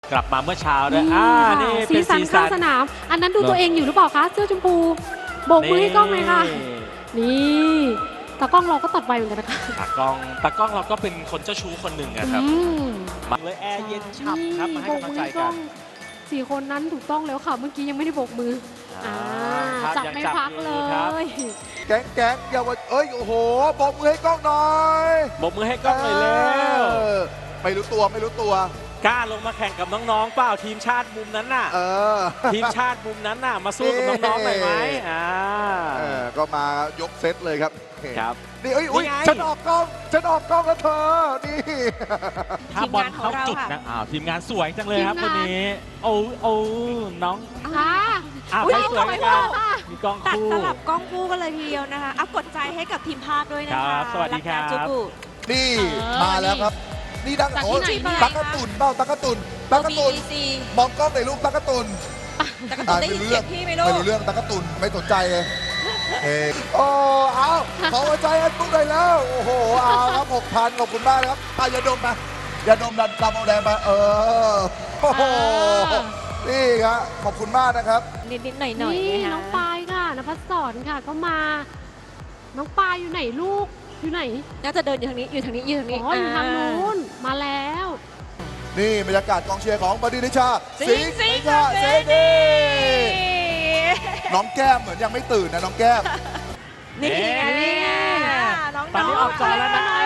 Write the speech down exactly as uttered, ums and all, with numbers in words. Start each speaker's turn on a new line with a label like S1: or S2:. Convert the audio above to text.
S1: กลับมาเมื่อเช้าด้วยอ่านี่
S2: สี
S1: เป็น
S2: สัน
S1: สี
S2: ข้า
S1: สั
S2: ง
S1: น
S2: สนาม อันนั้นดูตัวเองอยู่หรือเปล่าคะเสื้อชมพูโบกมือให้กล้องเลยค่ะนี่ตากล้องเราก็ตัดไวเหมือนกันนะคะ
S1: ตากล้องตากล้องเราก็เป็นคนเจ้าชู้คนหนึ่งนะครับ
S2: อืม
S1: มาเลยแอร์เย็นฉ่ำครับมาให้กำลังใจกัน
S2: สี่คนนั้นถูกต้องแล้วค่ะ เมื่อกี้ยังไม่ได้โบกมืออ่า
S1: ครับ
S2: จับ
S1: ยัง
S2: ไม่
S1: จับ
S2: พัก
S1: อยู่
S2: เล
S1: ครับ
S2: ย
S3: แก๊งแก๊งอย่าว่าเอ้ยโอ้โหบอกมือให้กล้องหน่อย
S1: บกมือให้กล้องหน่อยเร็ว
S3: เออไม่รู้ตัวไม่รู้ตัว
S1: กล้าลงมาแข่งกับน้องๆเปล่าทีมชาติมุมนั้นน่ะ
S3: เออ
S1: ทีมชาติมุมนั้นน่ะมาสู้กับน้องๆหน่อยไหมอ่า
S3: เออก็มายกเซตเลยครับ
S1: ครับ
S3: นี่เอ้ยอุ้ย
S1: นี่ไง
S3: ฉันออกกล้องฉันออกกล้องแล้วเธอนี่
S1: ถ้าบอลเข้าจุดนะอ้าวทีมงานสวยจังเลยครับวันนี้โอ้โอ้น้อง
S2: ค่ะ
S1: อ้าว
S2: อุ๊ย
S1: ใครสวย
S2: เอาไว้
S1: กัน
S2: ค่ะ
S1: มีกล้อง
S4: ตัด
S1: คู่
S4: สลับกล้องคู่กันเลยทีเดียวนะคะอัพกดใจให้กับทีมภาคด้วยนะ
S1: ครั
S4: คะ
S1: บสวัสดีครับ
S4: กนาจูบุ
S3: นี่
S2: เออ
S3: มาแล้วครับ นี่ดัง
S2: จาก
S3: โอ้
S2: ที่
S3: ย
S2: ไหนเนี่ย
S3: ตักกะตุนเปล่าตักกะตุนตักกะตุน
S4: บี ซี
S3: มองกล้องในรูปตักกะตุน
S4: แต่ก็ต้องได้ยินเสียงพี่ไหมลู
S3: ไม่
S4: ก
S3: รู้เรื่องตักกะตุนไม่สนใจเลยเฮ้ยโอ้เอาขอหัวใจอันปุ๊บเลยแล้วโอ้โหเอาครับหกพันขอบคุณมากนะครับอ่ะอย่าดมมาอย่าดมดันกำเอาแดงมาเออโอ้โหนี่ครับขอบคุณมากนะครับ
S4: นิดๆหน่อยๆ
S2: นี่
S4: นะคะ
S2: น้องปายค่ะนภัสสรค่ะก็มา น้องปายอยู่ไหนลูกอยู่ไหน
S4: น่าจะเดินอยู่ทางนี้อยู่ทางนี้อยู่ทาง
S2: อ๋
S4: นี้
S2: ออยู่ทางนู้นมาแล้ว
S3: นี่บรรยากาศกองเชียร์ของบดินทร์นิชา
S4: สิงสิง
S3: ห์ชาเซนีน้องแก้มเหมือนยังไม่ตื่นนะน้องแก้ม
S4: นี่ไงนี่ไงน้องๆ
S1: ตอนนี้ออกจอแล้วนะ
S2: หน่อย